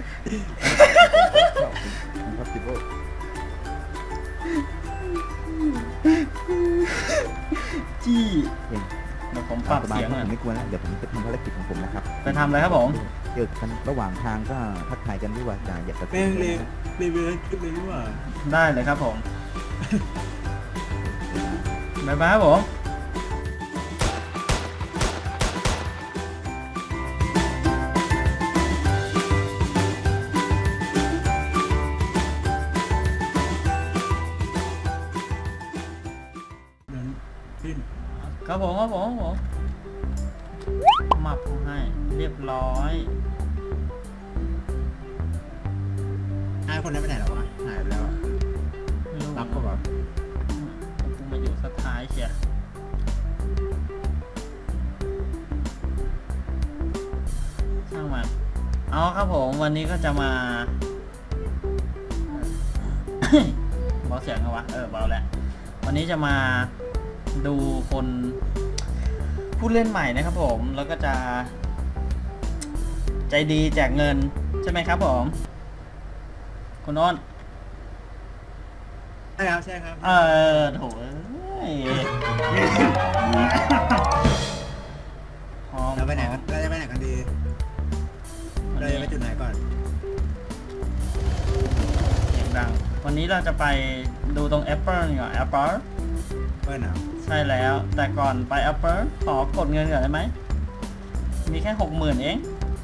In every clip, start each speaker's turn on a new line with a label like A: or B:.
A: impossible
B: จี้
A: เอง
B: เดี๋ยวผมปรับเสียง
A: ผ
B: อ่ะ
A: มไม่กลัวแล้วเดี๋ยวผมจะทำภารกิจของผมนะครับ
B: ไปทำอะไรครับผม
A: เจอกันระหว่างทางก็ทักทายกันด้วยว่าจะอยากจะ
C: แม่งเลยเวลขึ้นเลยนี่หว่า
B: ได้เลยครับผมบ๊ายบายครับผม
C: นั้นขึ้น
B: ครับผมครับผมมับให้เรียบร้อย
C: ไอ้คนนั้นไปไหนแล้ววะหายไปแล้วอะ
B: ไม่รู้
C: รับก็แบบ
B: กูมาอยู่สุดท้ายเชียช่างมันเอาครับผมวันนี้ก็จะมา เบาเสียงกันวะเบาแล้ววันนี้จะมาดูคนผู้เล่นใหม่นะครับผมแล้วก็จะใจดีแจกเงินใช่ไหมครับผมคุณโน้น
C: ใช่ครับใช่ครับ
B: โถเอ้ยพร้อม
C: เราไปไหนกันเราจะไปไหนกันดี
B: วัน
C: เรา
B: นี้
C: จะไปจุดไหนก่อน
B: เสียงดังวันนี้เราจะไปดูตรง Apple ก่อน Apple
C: เพื่อนอ่ะ
B: ใช่แล้วแต่ก่อนไป Apple ขอกดเงินก่อนได้ไหมมีแค่ 60,000 เอง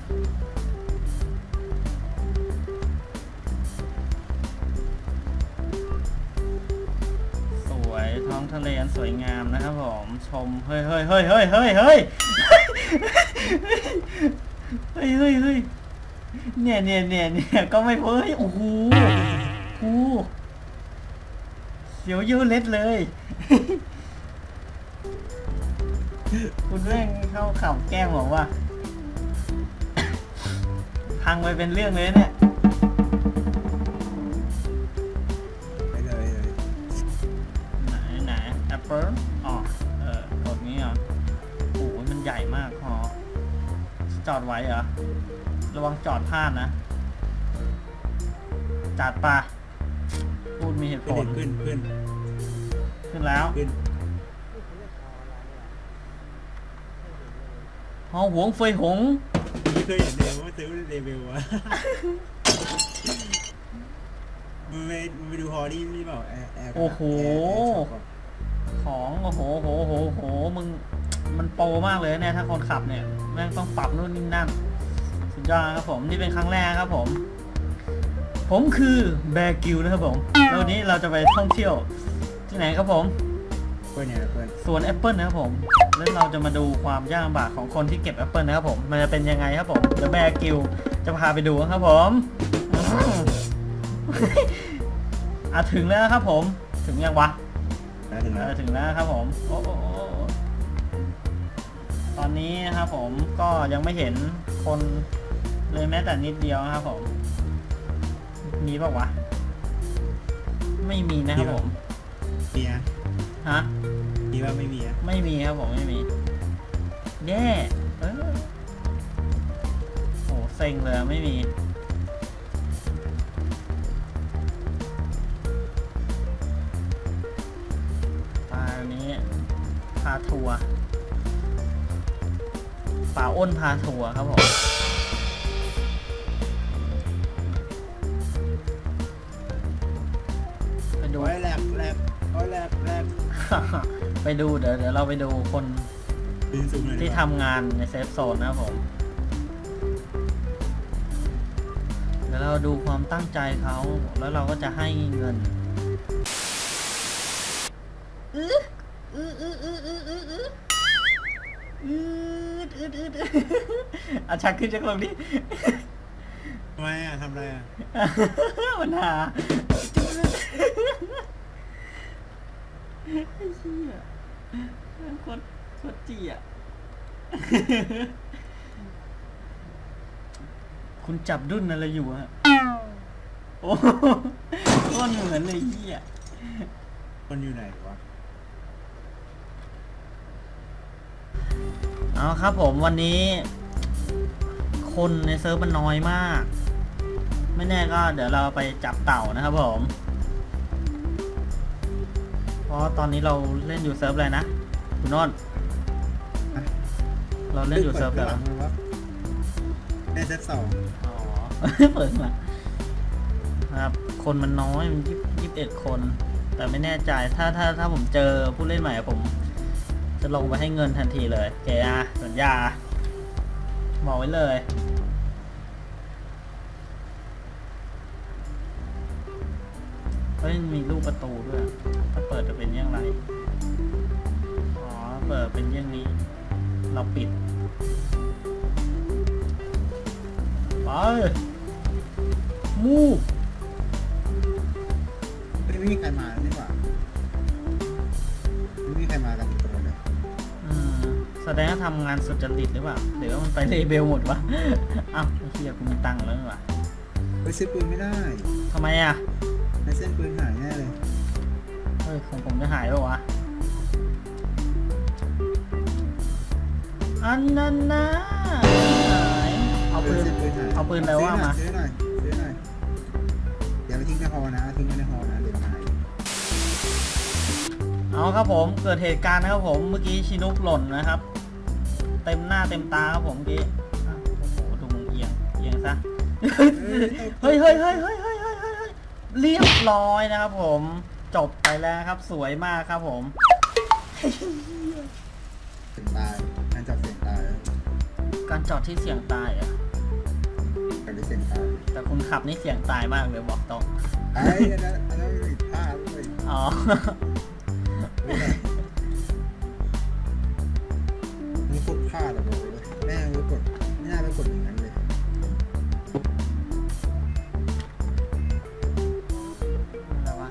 B: สวยท้องทะเลอันสวยงามนะครับผมชมเฮ้ยเฮ้ยเฮ้ยเฮ้ยเฮ้ยเฮ้ยเฮ้ยเฮ้ยเฮ้ยเนี่ยก็ไม่เฮ้ยโอ้โหเสียวเยอะเล็ดเลย คุณแม่งเข้าข่าวแกล้งบอกว่า พังไปเป็นเรื่องเลยเนี่ย
C: ไปเลยเลย
B: ไหนแอปเปิลอ๋อกดนี้เหรอโอ้โหมันใหญ่มากพอจอดไว้เหรอ ระวังจอดพลาดนะ จัดปะพูดมีเหตุผล
C: ขึ้น
B: ขึ้นแล้ว
C: ขึ้น
B: หอหวงเฟยหง
C: ไม่เคยเห็นเลยว่าซื้อเลเวลวะมันไปดูฮอรี่นี่เปล่าแอร์
B: โอ้โห ของโอ้โหมึงมันโปรมากเลยเนี่ยถ้าคนขับเนี่ยแม่งต้องปรับนู่นนี่นั่นสุดยอดครับผมนี่เป็นครั้งแรกครับผมคือแบร์กิลนะครับผมแล้ววันนี้เราจะไปท่องเที่ยวที่ไหนครับผม
C: เพื่อนเนี่ยเพื่อน
B: สวนแอปเปิลนะครับผมแล้วเราจะมาดูความยากลำบากของคนที่เก็บแอปเปิลนะครับผมมันจะเป็นยังไงครับผมเดี๋ยวแบร์กิลจะพาไปดูครับผมถึงแล้วครับผมถึงยังวะ
C: ถึงแล้ว
B: ถึงแล้วครับผมโอ้ตอนนี้นะครับผมก็ยังไม่เห็นคนเลยแม้แต่นิดเดียวนะครับผมมีป่าวะไม่มีนะครับผม
C: มีอะ
B: ฮะ
C: มีว่าไม่มีอะ
B: ไม่มีครับผมไม่มีแย่โอ้เซ็งเลยไม่มีปลานี้พาทัวร์ป่าอ้นพาทัวร์ครับผมไปดู
C: โอ้ยแหลกโอ้ยแหลก
B: ไปดูเดี๋ยวเราไปดูคน
C: ปีนสูงหน่อย
B: ที่ทำงานในเซฟโซนนะครับผม เดี๋ยวเราดูความตั้งใจเขาแล้วเราก็จะให้เงินอาชักขึ้นจากลงดิ
C: ทำไมอะทำอะไรอะ
B: มันหาไอ้เหี้ยโคตรจี้อ่ะ คุณจับดุ้นอะไรอยู่ฮะ โอ้โคตรเหมือนเลยเหี้ย
C: คนอยู่ไหนวะ
B: เอาครับผมวันนี้ คนในเซิร์ฟมันน้อยมากไม่แน่ก็เดี๋ยวเราไปจับเต่านะครับผมเพราะตอนนี้เราเล่นอยู่เซิร์ฟอะไรนะคุณโนนท์เราเล่นอยู่เซิร์ฟอะไรวะ
C: ในเซตสอง
B: อ๋อ เปิดมาครับคนมันน้อยมัน21 คน แต่ไม่แน่ใจถ้าผมเจอผู้เล่นใหม่ผมจะลงไปให้เงินทันทีเลยโอเคอะสัญญาบอกไว้เลยเฮ้ยมีรูปประตูด้วยถ้าเปิดจะเป็นอย่างไรอ๋อเปิดเป็นอย่างนี้ เราปิดไปมู
C: ไม่มีใครมานี่หว่าไม่มีใครมากันอีกคนเลย
B: แสดงว่าทำงานสุจริตหรือเปล่าหรือว่ามันไปเลเบลหมดวะ อ้าวไอ้เหี้ยกูมีตังค์แล้วนี่หว่า
C: ไปซื้อปืนไม่ได้
B: ทำไมอ่ะ
C: ในเส้นปืนหายแน่เลย
B: เฮ้ยของผมจะหายแล้ววะอันนั้นนะหายเอาปืน
C: เส้นปืนหาย
B: เอาปืนอะไรว่ามา
C: ซื้อหน่อยอย่าไปทิ้งในฮอนะทิ้งไว้ในฮอนะเดี๋ยวหาย
B: เอาครับผมเกิดเหตุการณ์นะครับผมเมื่อกี้ชินุกหล่นนะครับ เต็มหน้าเต็มตาครับผมเมื่อกี้อ่ะโอ้โหดูมึงเอียงซะ เฮ้ยเรียบร้อยนะครับผมจบไปแล้วครับสวยมากครับผม
C: เสียงตายนั่นจับเสียงตาย
B: การจอดที่เสี่ยงตายอ่ะ
C: กันได้เสียงตาย
B: แต่คุณขับนี่เสี่ยงตายมากเลยบอกตรง
C: ไอ้อันนั้นผิดพลาดเลย
B: อ๋อ
C: มึงกดพลาดอะบอกเลยแม่งไปกดไม่น่าไปกดอย่างนั้นเลย
B: อะไรวะ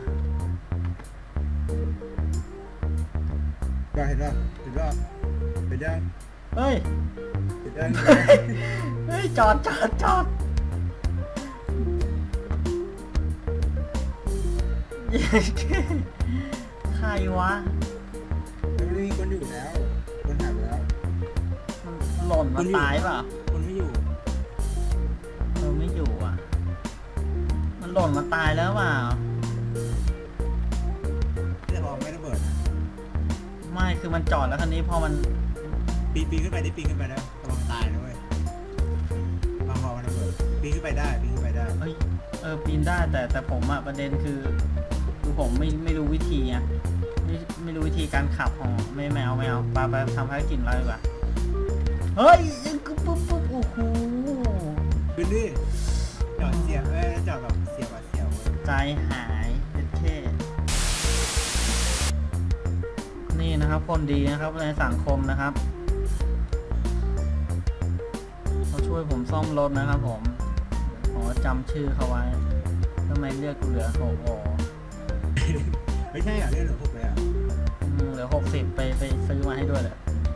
C: เห็นป่ะเห็นยัง
B: เฮ้ย
C: เห็นยัง
B: เฮ้ยจอดใครวะ
C: มันไม่มีคนอยู่แล้ว คนหายไปแล้ว
B: มันหล่นมาตายเปล่า
C: คนไม่อยู่
B: ไม่อยู่อ่ะ มันหล่นมาตายแล้วเปล่า
C: แต่พอไม่ระเบิดนะ
B: ไม่คือมันจอดแล้วคันนี้พอมัน
C: ปีนขึ้นไปได้ปีนขึ้นไปได้ระวังตายนะเว้ยบางพอมันระเบิดปีนขึ้นไปได้ปีนขึ้นไปได้
B: เอ้ยปีนได้แต่ผมอะประเด็นคือผมไม่รู้วิธีไงไม่รู้วิธีการขับของไม่เอาไปทำภารกิจอะไรดีกว่าเฮ้ยปุ๊บโอ้โห
C: ขึ้นดิจอดเสียบจอดแบบเสียบอะเสียบเว้ย
B: ใจหายเป็นเท่นี่นะครับคนดีนะครับในสังคมนะครับเขาช่วยผมซ่อมรถนะครับผมขอจำชื่อเขาไว้ทำไมเลือกกูเหลือ6
C: ไม่ใช่อ่ะเรื่องหนูพวกเลยอ่ะ
B: เหลือ60ไปซื้อมาให้ด้วยเลย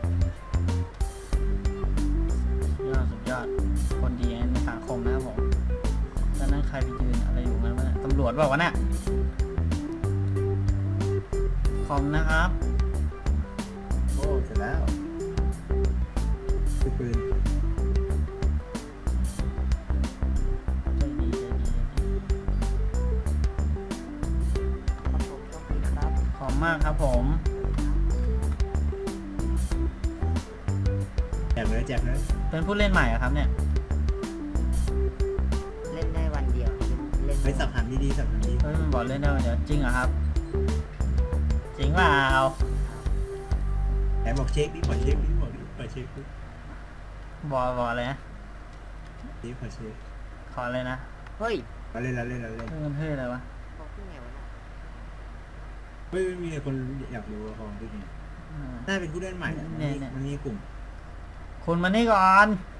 B: สุดยอดคนดีในสังคมนะครับผมแล้วนั่นใครไปยืนอะไรอยู่งั้นวะเนี่ยตำรวจบอกว่าเนี่ยคอมนะครับ
C: โอ้เสร็จแล้วคือปืน
B: ใจดีขอบมากครับผม
C: แจกเลยแจกเลย
B: เป็นผู้เล่นใหม่เหรอครับเนี่ย
D: เล่นได้วันเดียว เล่น
C: ไปสับหางดีๆสับหางดี
B: เฮ้ยมันบอกเล่นได้วันเดียวจริงเหรอครับ จริงเปล่า
C: แต่บอกเช็คดิขอเช็คดิบอกดิขอเช็คดิ
B: บอกอะไรนะ
C: ดิขอเช็ค
B: ขอเลยนะ
D: เฮ้ย
C: เราเล่นเราเล่นเราเล่น
B: เฮ้ยมันเฮ้ยอะไรวะ
D: บอกที่ไงวะน่ะ
C: ไม่มีคนอยากรู้ว่าของที่นี่
B: อืม
C: น่าเป็นผู้เล่นใหม่อะมันมีกลุ่ม
B: คุณมานี่ก่อน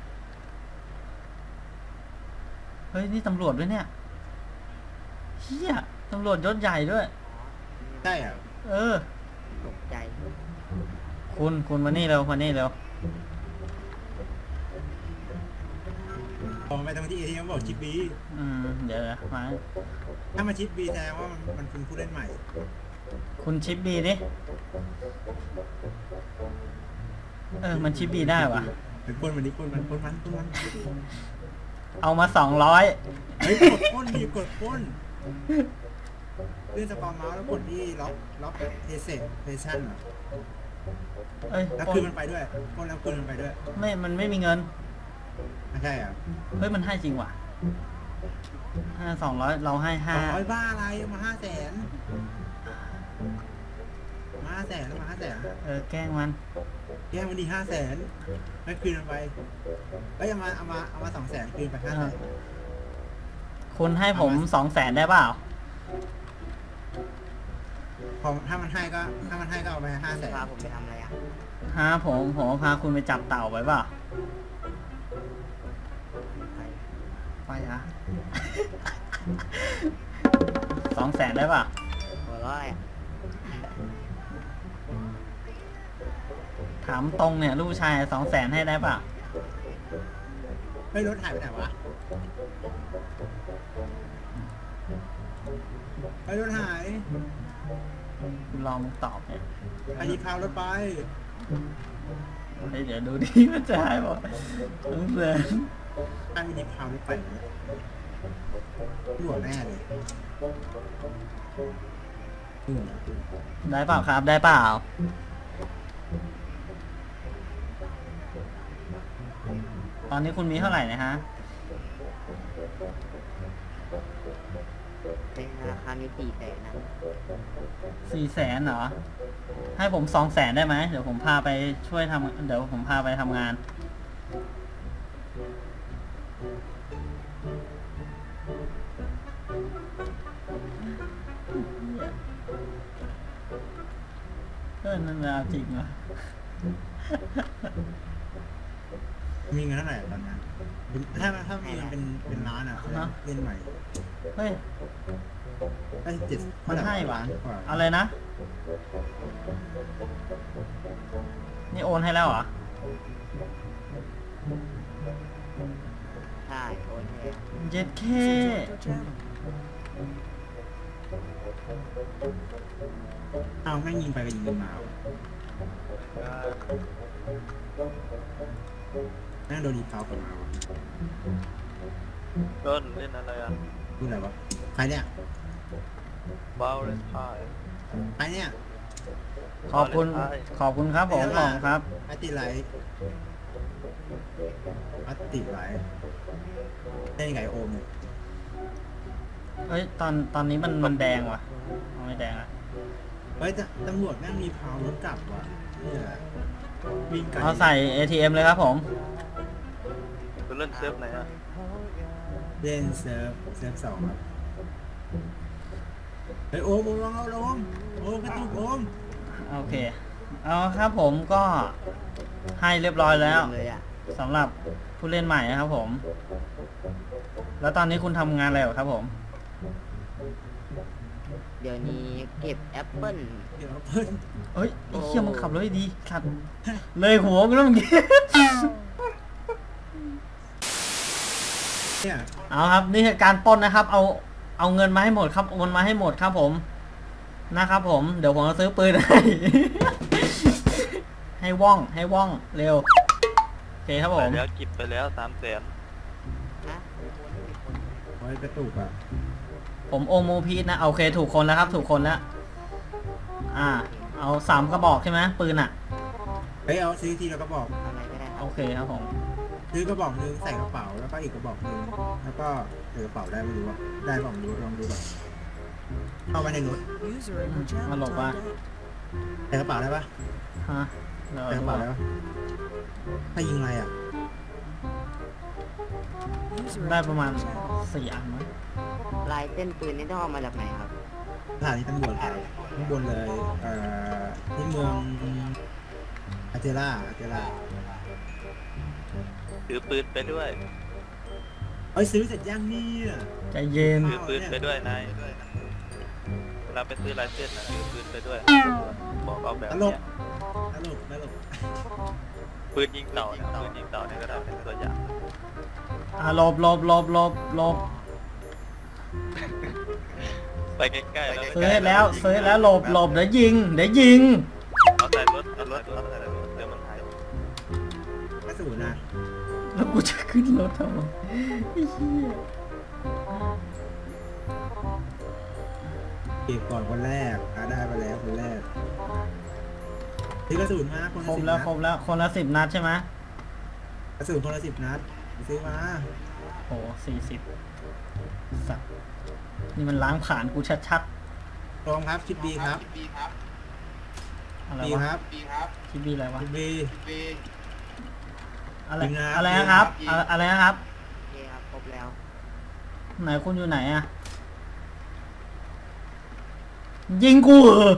B: เฮ้ยนี่ตำรวจด้วยเนี่ยเฮียตำรวจยศใหญ่ด้วย
C: ใช่อ่ะ
B: เออ
D: ตกใจ
B: คุณมานี่เร็วมานี่เร็ว
C: พอไปทางที่เอทีเอ็มบอกชิปบี
B: เดี๋ยวมา
C: ถ้ามาชิปบีแสดงว่ามันเป็นผู้เล่นใหม่
B: คุณชิปบีดิมันชิปบีได้วะ
C: เป็นคนวันนี้คนมัน
B: เอามา200
C: ฮ้ยกดป้นดิกดป้นเลื่อนสปาเมาส์แล้วกดที่ล็อกเอเซเพชั่น
B: เอ้ย
C: แล้วคืนมันไปด้วยป้นแล้วคืนมันไปด้วย
B: มันไม่มีเงิน
C: ไม่ใช่อ่ะ
B: เฮ้ยมันให้จริงว่ะ200เราให้
C: 200บ้าอะไรมา500,000มา500,000แล้วมา500,000
B: แกล้งมัน
C: แย่งมันดี500,000แล้วคืนมันไปเอ้ยเอามา200,000คืนไป500,000
B: คุณให้ผม200,000ได้เปล่า
C: พอถ้ามันให้ก็เอาไป500,000
D: พาผมไปทำอะไรอ่ะ
B: ผมพาคุณไปจับเต่าไปเปล่า
D: ไป
B: ไปฮะ 200,000ได้เปล่า
D: หัวเร้อยอ่ะ
B: ถามตรงเนี่ยลูกชาย200,000ให้ได้เปล่า
C: เฮ้ยรถหายไปไหนวะเฮ้ยรถหาย
B: คุณลองตอบเนี่ย
C: ใครหยิบพาวรถไป
B: เฮ้ยเดี๋ยวดูดิมันจะให้บอก200,000
C: ใครมันหยิบพาวรถไปเนี่ยหัวแน่เลยหัว
B: ได้เปล่าครับได้เปล่า ตอนนี้คุณมีเท่าไหร่นะฮะ
D: เป็นราคามี400,000นะ
B: 400,000เหรอ ให้ผม200,000ได้ไหมเดี๋ยวผมพาไปช่วยเดี๋ยวผมพาไปทำงาน นั่นเอาจริงเหรอ
C: มีเงินเท่าไหร่ตอนนั้นถ้ามีเงินเป็นล้านอ่ะเล่นใหม่
B: เฮ้ย
C: ได้7
B: มันให้หวานอะไรนะ นี่โอนให้แล้วเหรอ
D: ใช่โอนให้
B: เจ็ดเค
C: เอาแม่งยิงไปก็ยิงกันมาแม่งโดนดีเท้ากลับมาวะ
E: ต้นเล่นอะไรอ่ะ
C: พูดอะไรวะใครเนี่ย
E: บาเลนไทน์
C: ใครเนี่ย
B: ขอบคุณครับผมของครับ
C: อติไลท์อติไลท์ได้ยังไงโอมเนี่ย
B: เฮ้ยตอนนี้มันแดงว่ะเอาไม่แดงอ่ะ
C: เฮ้ยตำรวจแม่งมีพาวรถกลับว่ะเนี่ยวิ่งไกล
B: เอาใส่ ATM เลยครับผม
E: คุณเล่นเซิร์ฟไหนอ่ะ
C: เล่นเซิร์ฟ2ครับเฮ้ยโอมลองเอาโอมกระตุกโอม
B: โอเค เอาครับผมก็ให้เรียบร้อยแล้ว
D: เลยอ่ะ
B: สำหรับผู้เล่นใหม่นะครับผม แล้วตอนนี้คุณทำงานอะไรอยู่ครับผม
D: เดี๋ยวนี้เก็บแอปเปิ้ล
C: เดี๋ยวเพิ่น
B: เอ้ยไอ้เหี้ยมึงขับรถให้ดีขัดเลยหัวมึงแล้วเมื่อกี้
C: เนี่ย
B: เอาครับนี่คือการปล้นนะครับ เอาเงินมาให้หมดครับโอนมาให้หมดครับผมนะครับผมเดี๋ยวผมจะซื้อปืนให้ ให้ว่องเร็วโอเคครับผ
E: ไป
B: ม
E: แล้วกิบไปแล้ว300,000
D: นะ
C: โอ้ยกระตุกอ่ะ
B: ผมโอโมพีทนะโอเคถูกคนแล้วครับถูกคนแล้วเอา3กระบอกใช่ไหมปืนอ่ะ
C: เฮ้ยเอาซื้อทีแล้วก็บอก
D: อะไรก็ได้ครั
B: โอบเคครับผม
C: ซื้อกระบอกนึงใส่กระเป๋าแล้วก็อีกกระบอกนึงแล้วก็ใส่กระเป๋าได้ไม่รู้ว่าได้บอกไม่รู้ลองดูก่อนเข้าไปในรถ
B: มาหลบว่า
C: ใส่กระเป๋าได้ปะ
B: ฮะเดี๋ยว
C: ใส่กระเป๋าได้ปะถ้ายิงอะไรอ่ะ
B: ได้ประมาณ4 อันมั้ง
D: ลายเส้นปืนนี่ต้องเอามาจากไหนครับ
C: สถานีตำรวจครับข้างบนเลยที่เมืองอาเจล่า
E: ถือปืนไปด้วย
C: เอ้ยซื้อเสร็จยังเนี่ย
B: ใจเย็น
E: ถือปืนไปด้วยนายเวลาไปซื้อลายเส้นนะถือปืนไปด้วย บอกเอาแบบ
C: ตล
E: เนี้
C: ก
E: ย
C: ตลก
E: ปืนยิงเต่านะปืนยิงเต่าเนี่ยก็ได้เป็นตัวอย่าง
B: หลบ
E: ไปใกล้ๆแล้ว
B: ซื้อให้แล้วหลบเดี๋ยวยิง
E: เอาใส่รถเอาใส่รถเดี๋ยวมันหาย
C: กระสุนนะ
B: แล้วกูจะขึ้นรถทำไมไอ้เหี้ย
C: เก็บก่อนคนแรกได้ไปแล้วคนแรกซื้อกระสุนมาคน
B: คร
C: ละ
B: บ
C: 10
B: แล้ว
C: นัด
B: ครบแล้วคนละ10 นัดใช่ไหม
C: กระสุนคนละ10 นัดไปซื้อมา
B: โอ้40สัตว์นี่มันล้างผ่านกูชัด
C: ตรงครับชิปบีครับ
B: ๆอะไร
C: บี
B: วะ
C: ครับ
B: ชิบีอะไรวะ
C: ชิปบี
B: อะไร
C: ยิงนะครับ
B: อะไรนะครับ อะไรนะครับ
D: โอเคครับครบแล้ว
B: ไหนคุณอยู่ไหนอะยิงกูเหรอ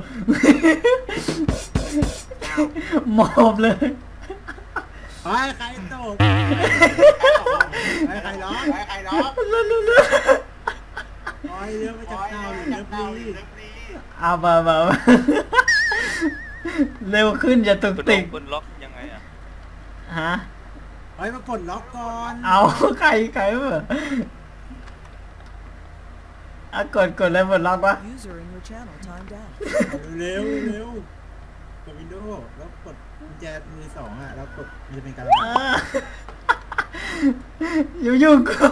B: หมอบเลย
C: ไอ้ใครตกไอ้ใครร้องโอ้ยเรือมาจากเต่าหรือเรือปลี
B: เอามาเร็วขึ้นอย่าตุก
E: คุณ
B: ติก
E: คุณล็อกยังไงอ่ะ
B: ฮะ
C: เฮ้ยมากดล็อกก่อน
B: เอาใครเมื่ออะกดเลยหมดล็อกวะ
F: User in your channel timed out.
C: เร็วกดวินโดว์แล้วกดกุญแจมือ2แล้วกดมันจะเป็นการระบาย
B: อยู่ๆกู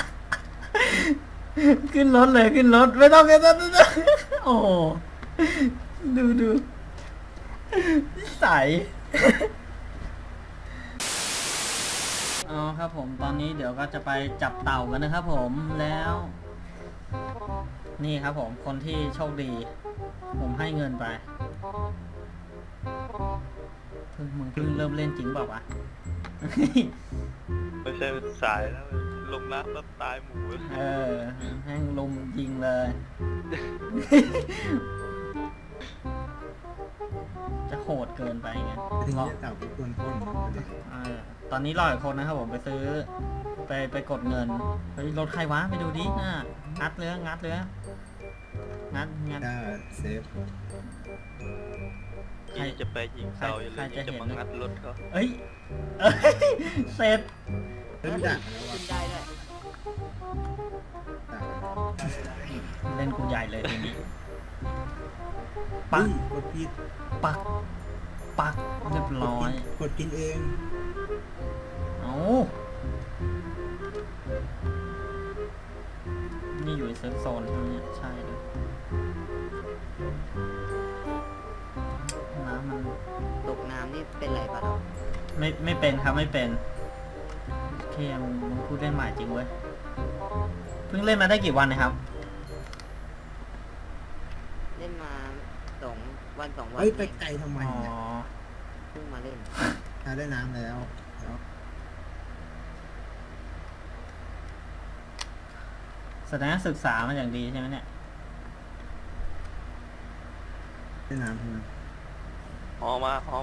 B: ขึ้นรถเลยขึ้นรถไม่ต้องโอ้โหดูใสเอาครับผมตอนนี้เดี๋ยวก็จะไปจับเต่ากันนะครับผมแล้ว นี่ครับผมคนที่โชคดี ผมให้เงินไปมึงเพิ่งเริ่มเล่นจริงเปล่าวะ
E: ไม่ใช่สายแล้วลงน้ำแล้วตายหมูเลย
B: แห้งลุมยิงเลย จะโหดเกินไปไง
C: ถึง
B: รอ
C: จะเต่าไปกวนพ่นเด็ก
B: ตอนนี้รออีกคนนะครับผมไปซื้อ ไปกดเงินเฮ้ยรถใครวะไปดูดิน่ะงัดเลยงัด
C: ได้เซฟ
B: ใคร
E: ที่จะไปยิงเตาอยู่เลย
B: ใครจะ
E: จะ
B: เห็น
E: มางัดรถเขา
B: เอ้ยเสร็จ
C: เริ่มดักแล้ว
D: ขึ้
C: อ่ะ
D: นได้ด้วย
B: เล่นกูใหญ่เลยทีนี้
C: ปั
B: ปั
C: ง
B: ก
C: กดผิด
B: ปักเรียบร้อย
C: กดกินเอง
B: เอานี่อยู่ในเซิร์ฟโซนใช่ไหมเนี่ยใช่เลยน้ำมัน
D: ตกน้ำนี่เป็นไรปะครับ
B: ไม่เป็นครับไม่เป็นโอเคมึงพูดเล่นใหม่จริงเว้ยเพิ่งเล่นมาได้กี่วันนะครับ
D: เล่นมา2 วัน 2 วัน
C: เฮ้ยไปไกลทำไม
B: อ๋อ
C: เนี่ย
D: เพิ่งมาเล่น
C: ถ้าได้น้ำแล้ว
B: แสดงว่าศึกษามาอย่างดีใช่ไหมเนี่ย
C: ได้น้ำใช่ไหม
E: ฮอมาฮอ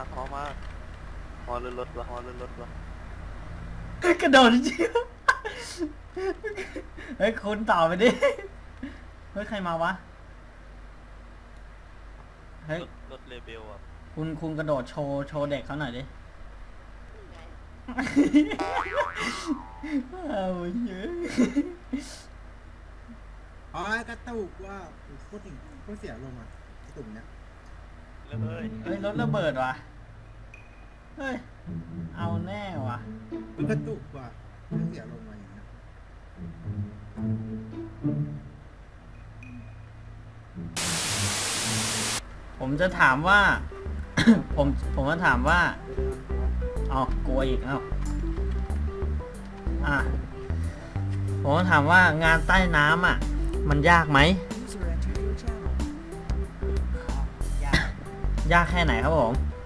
E: เรือรถวะฮอเรือรถวะ
B: กระโดดจริงเฮ้ยคุณต่อไปดิเฮ้ยใครมาวะเฮ้ย
E: รถเลเบลอ่ะ
B: คุณกระโดดโชว์เด็กเขาหน่อยดิเอาเยอะ
C: อ๋อกระตุกว่าโคตรถึงโคตรเสียลมอ่ะกระตุกเนี่ย
E: เลย
B: เฮ้ยรถระเบิดว่ะเฮ้ยเอาแน่ว่ะ
C: มันกระตุกว่ะเสียลมมาอย่างเงี้ย
B: ผมจะถามว่า ผมจะถามว่าอ๋อกลัวอีกผมจะถามว่างานใต้น้ำอ่ะ มันยากไหม
F: User entered your channel.
B: ยากแค่ไหนครับผม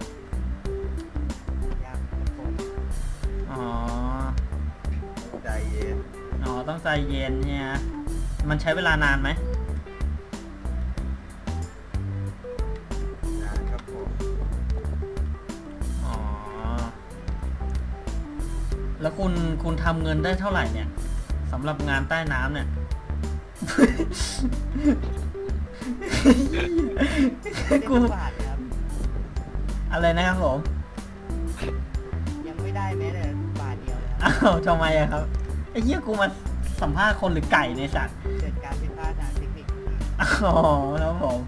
D: ยากครับผม
B: อ๋อ
C: ใจเย็น
B: อ๋อต้องใจเย็นเนี่ยมันใช้เวลานานไหม
C: นะครับผม
B: อ๋อแล้วคุณทำเงินได้เท่าไหร่เนี่ยสำหรับงานใต้น้ำเนี่ย กู
D: ไม่ได้บาทครับ
B: อะไรนะครับผม
D: ยังไม่ได้แม้แต่บาทเดียวเลยครับ
B: อ้าวทำไมอะครับไอ้เหี้ยกูมาสัมภาษณ์คนหรือไก่ในยสัตว์
D: เกิดการผิดพลาดทางเทคนิค
B: อ๋อครับผม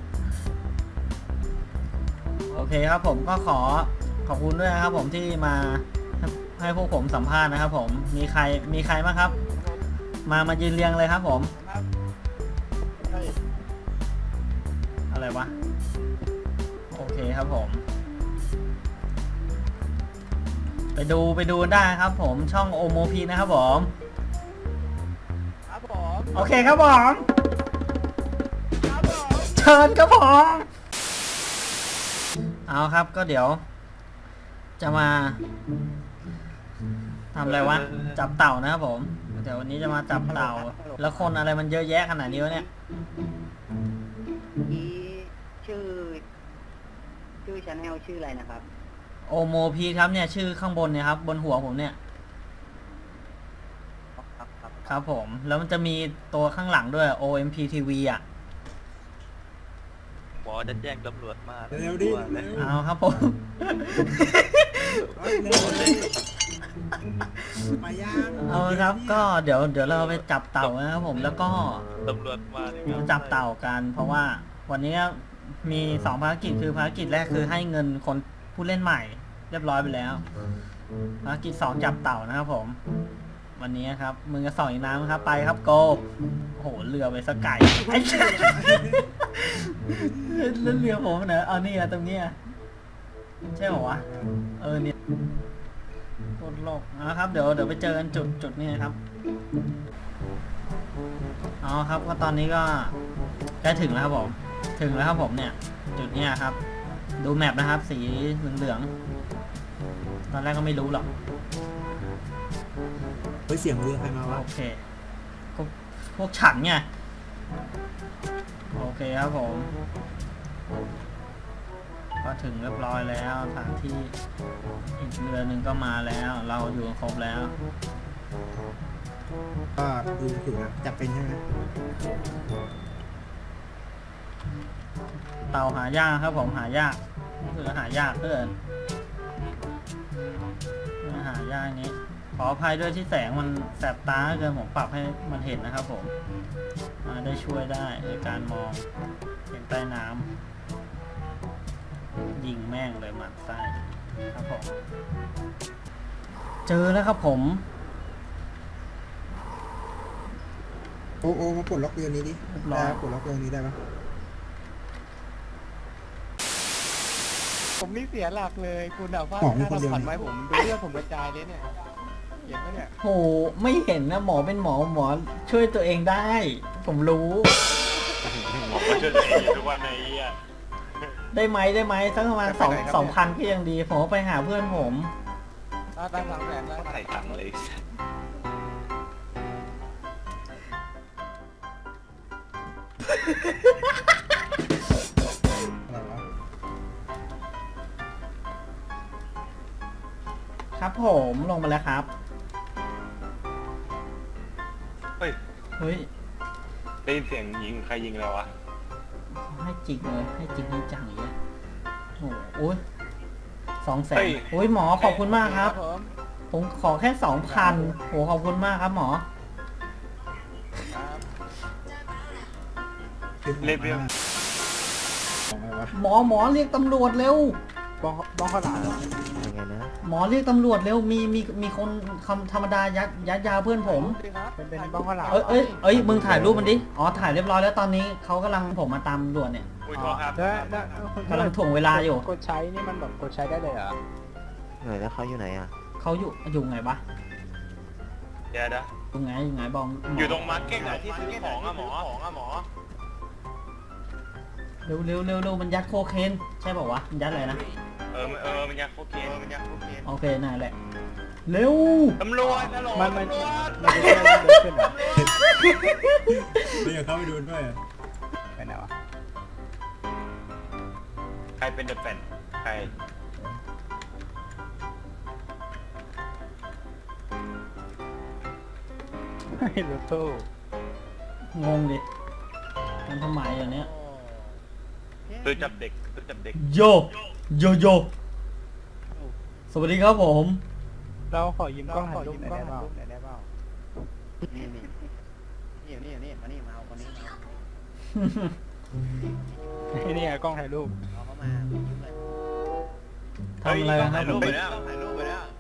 B: โอเคครับผมก็ขอบคุณด้วยนะครับผมที่มาให้พวกผมสัมภาษณ์นะครับผมมีใครบ้างครับ มายืนเรียงเลยครับผม
D: ครับ
B: อะไรวะ โอเคครับผม ไปดูได้ครับผมช่องโอโมพีนะครับผม
D: ครับผม
B: โอเคครับผม
D: ครับผม
B: เชิญครับผมเอาครับก็เดี๋ยว จะมาทำอะไรวะ จับเต่านะครับผมเดี๋ยววันนี้จะมาจับเต่า แล้วคนอะไรมันเยอะแยะขนาดนี้วะเนี่ย
D: อีชื่อชาแนลชื่ออะไรนะครับ
B: โอโมพีครับเนี่ยชื่อข้างบนเนี่ยครับบนหัวผมเนี่ย
D: ครับครับ
B: ครับผมแล้วมันจะมีตัวข้างหลังด้วย OMP TV อ่ะ
E: หมอจะแจ้งตำรวจมา
C: เร็วดิ
E: กลั
C: เร็ว
B: เอาครับผม
C: เร็วไปย่าง
B: เอาครับก็เดี๋ยวเราไปจับเต่านะครับผมแล้วก็
E: ตำรวจมาเนี่ย
B: จับเต่ากัน เพราะว่าวันนี้มี2ภารกิจคือภารกิจแรกคือให้เงินคนผู้เล่นใหม่ เรียบร้อยไปแล้วภารกิจ2จับเต่านะครับผม วันนี้ครับมึงจะส่องอีกน้ำครับไปครับโกโอ้โหเรือไปสกายไอ้เหี้ยแล้วเรือผมเนอะเอานี่อะตรงเนี้ยใช่เหรอวะเนี่ยโคตรโลกนะครับเดี๋ยวไปเจอกันจุดนี้ครับเอาครับก็ตอนนี้ก็ใกล้ถึงแล้วครับผมถึงแล้วครับผมเนี่ยจุดนี้ครับดูแมปนะครับ สีเหลืองๆตอนแรกก็ไม่รู้หรอก
C: เฮ้ยเสียงเรือใครมาวะ
B: โอเคก็พวกฉันไงโอเคครับผมก็ถึงเรียบร้อยแล้วสถานที่อีกเรือหนึ่งก็มาแล้ว เราอยู่กันครบแล้ว
C: ก็ดูถึงอะจับเป็นใช่ไหม
B: เต่าหายากครับผมหายากคือหายากเกินหายากนี้ขออภัยด้วยที่แสงมันแสบตาเกินผมปรับให้มันเห็นนะครับผมได้ช่วยได้ในการมองเห็นใต้น้ำยิงแม่งเลยหมันไส้ครับผมเจอแล้วครับผม
C: โอ้มาปลดล็อกเรือนี้ดิ
B: เรียบร้อย
C: ได้ปลดล็อกเรือนี้ได้ปะ
D: ผมนี่เสียหลักเลยคุณเอาว่าค่าทำขวัญไว้ผมดูเรื่องผมกระจายเลยเนี่ยเห็นไหมเนี่ย
B: โหไม่เห็นนะหมอเป็นหมอช่วยตัวเองได้ ผมรู้
E: ผมก็ช่วยตัวเองอยู่ทุกวันในอ่ะ
B: ได้ไหมสักประมาณ2,000ก็ยังดีผมเอาไปหาเพื่อนผม
D: ตั้งหลังแผนได้
E: ใส่ตังค์เลย
C: อะไรวะ
B: ครับผมลงมาแล้วครับ
E: เฮ้ย
B: เฮ้ย
E: ได้ยินเสียงยิงใครยิงแล้ววะ
B: ให้จริงเลยให้จริงให้จังอย่างเงี้ยโอ้โหโอ้ย200,000
E: เฮ้ย
B: โอ้ยหมอขอบคุณมากครับ
D: ผม
B: ผมขอแค่ 2,000โหขอบคุณมากครับหมอ
E: เลเวล
C: ของอะไรวะ
B: หมอเรียกตำรวจเร็ว
C: บ้องข้าวหลาม
A: ยังไงนะ
B: หมอเรียกตำรวจเร็วมีคนคำธรรมดายัดยาเพื่อนผม
D: เป็นบ้องข้าวหลาม
B: เอ้ยมึงถ่ายรูปมันดิอ๋อถ่ายเรียบร้อยแล้วตอนนี้เขากำลังผมมาตามตำรวจเนี่ย
E: อุ้ยโทษครับ
B: กำลังถ่วงเวลาอยู่
D: กดใช้นี่มันแบบกดใช้ได้เลยเหรอ
A: ไหนแล้วเขาอยู่ไหนอ่ะ
B: เขาอยู่ไงวะ
E: เดี๋ยวนะ
B: อยู่ไงบองหม
E: อยู่ตรงมาร์เก็ตอะที่ซื้อของอะหมอ
B: เร็วมันยัดโคเคนใช่ป่าวะมันยัดอะไรนะ
E: มันยักโคเคน
B: โอเคนั่นแหละเร็ว
E: ตำรวจตำรวจ
D: มันจะเดินขึ้นเหรอ
C: เราอยากเข้าไปดูด้วยอะ
D: ไปไหนวะ
E: ใครเป็นเดอะแฟนใคร
D: ให้รถตู้
B: งงดิมันทำไมอย่างเนี้ย
E: ตัวจับเด็ก
B: โยสวัสดีครับผม
D: เราขอยืมกล้องถ่ายรูปหน่อยได้เปล่านี่มานี่มาเอาคนนี้มานี่กล้องถ่ายรูปเอาเข้ามายืมเลย
B: ทำอะไรครับผม
E: ถ่ายรูปไปแล้ว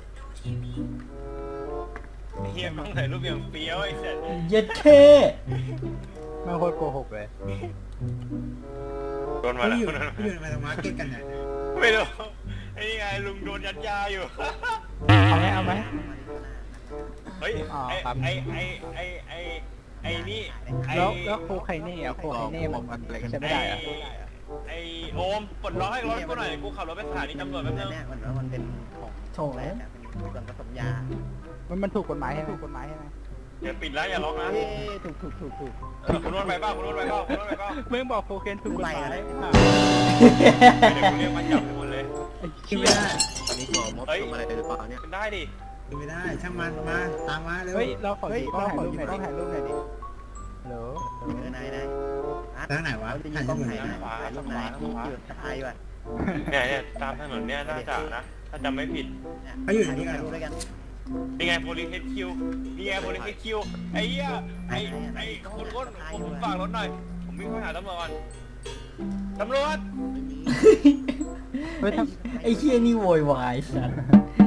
E: เฮียต้องถ่ายรูปอย่างเฟี้ยวไอ้เสร็จ
B: เย็ดเค
D: ไม่โคตรโกหกเลย
E: นมา
C: พี่
E: แล้ว
C: อยู่ในมาร์เก็ตกันเนี่ย
E: ไม่รู้ไอ้นี่ไงลุงโดนยัดยาอยู่
D: เอาไหม
E: เฮ้ย
D: อ๋อ
E: ไอ้
D: ครับ
E: ไอ้นี่ไอ้
D: แล้วโคไคเน่อะโคไคเน่มันใช้ไม่ได้อะ
E: ไอ้โอมปลดล็อกให้รถกูหน่อยกูขับรถไปสถานีตำรวจแป๊บนึง
A: มันเป็นของ
B: โถแล้ว
A: เป็นส่วนผสมยา
D: มันถูกกฎหมายใช่ไหมถูกกฎหมายใช่ไหม
E: อย่าปิดแล้วอย่าล็อกนะ
A: ถูก
E: คุณนวดไปเปล่าคุณนวดไปเปล่าคุณนวดไปเปล่า
D: มึงบอกโคเคนถูกกฎหมาย
A: อะไร
E: เดี๋ยวกูเรียกมันจับให้หมดเลย
C: กินไม่ได้
E: เฮ้ยเป็นได้ดิ
C: กินไม่ได้ช่างมันมาตามมาเร็ว
D: เฮ้ยเราขอดูกล้องถ่ายรูปหน่อยต้องถ่ายรูปหน่อยดิฮัลโหล
A: นาย
C: ทางไหนวะถ่ายที่ไหน
A: ลูกนายที่อยู่ตายว่ะ
E: เนี่ยตามถนนเนี่ยน่าจะนะถ้าจำไม่ผิด
C: เขาอยู่ไหนนี่กัน
A: ด้วยกัน
E: นี่ไงโพลิสคิวนี่ไงโพลิสคิวไอ้เหี้ยไอ้คุณก้นผมฝากรถหน่อยผมวิ่งไปหาตำรวจก่อนตำรวจ
D: เฮ้ย
B: ไอ้เฮียนี่โวยวายสัส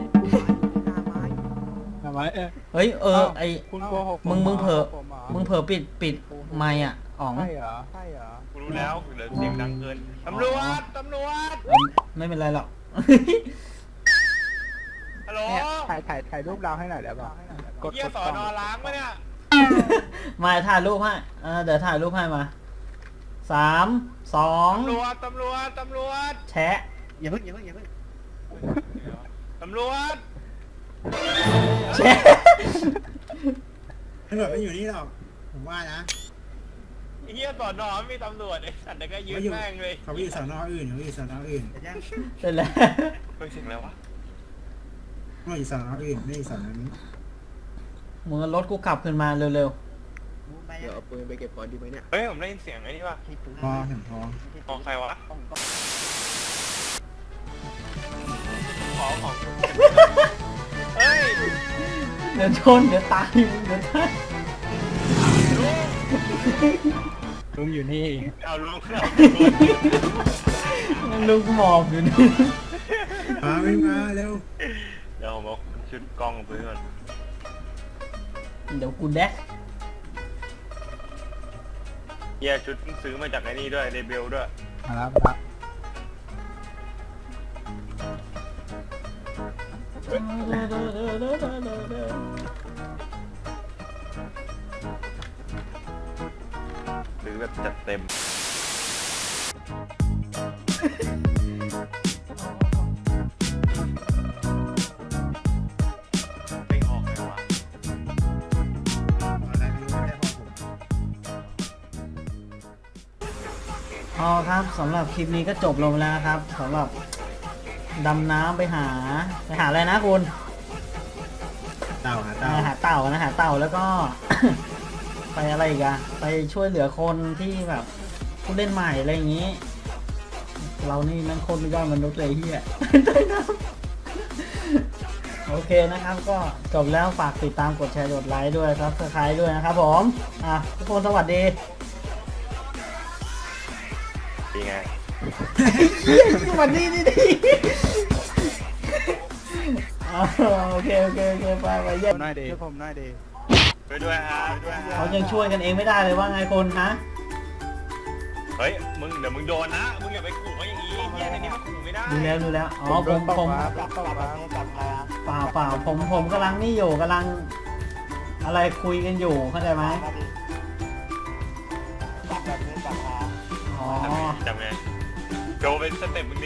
D: ทำไม
B: เฮ้ยไอ
D: คุณโกหก
B: มึงเผลอปิดไมค์อ่ะอ๋อง
D: ใช่เหรอใช่เหรอ
E: กูรู้แล้วเหลือเสียงดังเกินตำรวจตำรวจ
B: ไม่เป็นไรหรอก
E: ฮัลโหล
D: เนี่ยถ่ายรูปเราให้หน่อยได้ป่ะกด
E: เหี้ยสอนอล้างปะเนี่ย
B: มาถ่ายรูปให้เดี๋ยวถ่ายรูปให้มา3 2
E: ตำรวจ
B: แชะ
A: อย่าเพิ่ง
E: ตำรวจ
B: แชะ
C: ตำรวจไม่อยู่นี่หรอกผมว่านะ
E: ไอ้เหี้ยสอนอไม่มีตำรวจไอ้สัตว์เด็กก็ยืนแม่งเลย
C: เขาไปอยู่สอนออื่นเขาอยู่สอนออื่น
B: เสร็จแล้ว
E: เฮ้ยเสียงอะไรวะ
C: เขาอยู่สอนออื่นไม่อยู่สอนอนี้
B: มึงเอารถกูขับขึ้นมาเร็ว
D: เดี๋ยวเอาปืนไปเก็บก่อนดีไหมเนี่ย
E: เฮ้ยผมได้ยินเสียงไอ้นี่ป่ะ
C: พอเห็นพอ
E: ของใครวะของเฮ้ย
B: ๆเดี๋ยวชนเดี๋ยวตายเดี๋ยวตาย
D: ลุงอยู่นี่
E: เอาลุง
B: ลูกหมอบอยู่นี่
C: มาวิ่งมาเร็ว
E: เดี๋ยวผมเอาชุดกล้องไปก่อน
B: เดี๋ยวกูแดก
E: เหี้ยชุดซื้อมาจากไอ้นี่ด้วยเรเบลด้วย
D: ครับ
E: ซื้อแบบจัดเต็มไม่ออกเลยวะ
C: อะไรไม่รู้ไม่ได้บอกผม
B: อ๋อครับสำหรับคลิปนี้ก็จบลงแล้วนะครับสำหรับดำน้ำไปหาอะไรนะคุณ
C: เต่าหาเต่า
B: หาเต่านะหาเต่าแล้วก็ ไปอะไรอีกอะไปช่วยเหลือคนที่แบบผู้เล่นใหม่อะไรอย่างนี้ เรานี่แมันคนไม่ยอดมนุษย์เลยเฮีย ใต้น้ำโอเคนะครับ ก็จบแล้วฝากติดตามกดแชร์กดไลค์ด้วยครับสไครต์ด้วยนะครับผมทุกคนสวัสดี
E: เป็นไง
B: สวัสดีนี่ดิโอเคไปเยี่ยม
D: หน่อยดีผมหน่อยดี
E: ไปด้วยฮะด้วยฮะ
B: เขายังช่วยกันเองไม่ได้เลยว่าไงคนฮะ
E: เฮ้ยเดี๋ยวมึงโดนนะมึงอย่าไปขู่เขาอย่างนี้เฮียในนี้มันขู่ไม่ได้
B: ดูแล้วอ๋อผมเปล่าผมกำลังนี่อยู่กำลังอะไรคุยกันอยู่เข้าใจไหมอ๋อ
E: จำไงโดนเป็นสเต็ปมึงดิ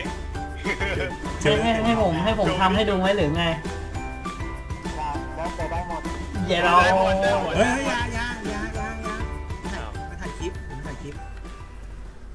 B: ให้ผมทำให้ดูไหมหรือไงเดี๋ยวเรา
C: เฮ้ย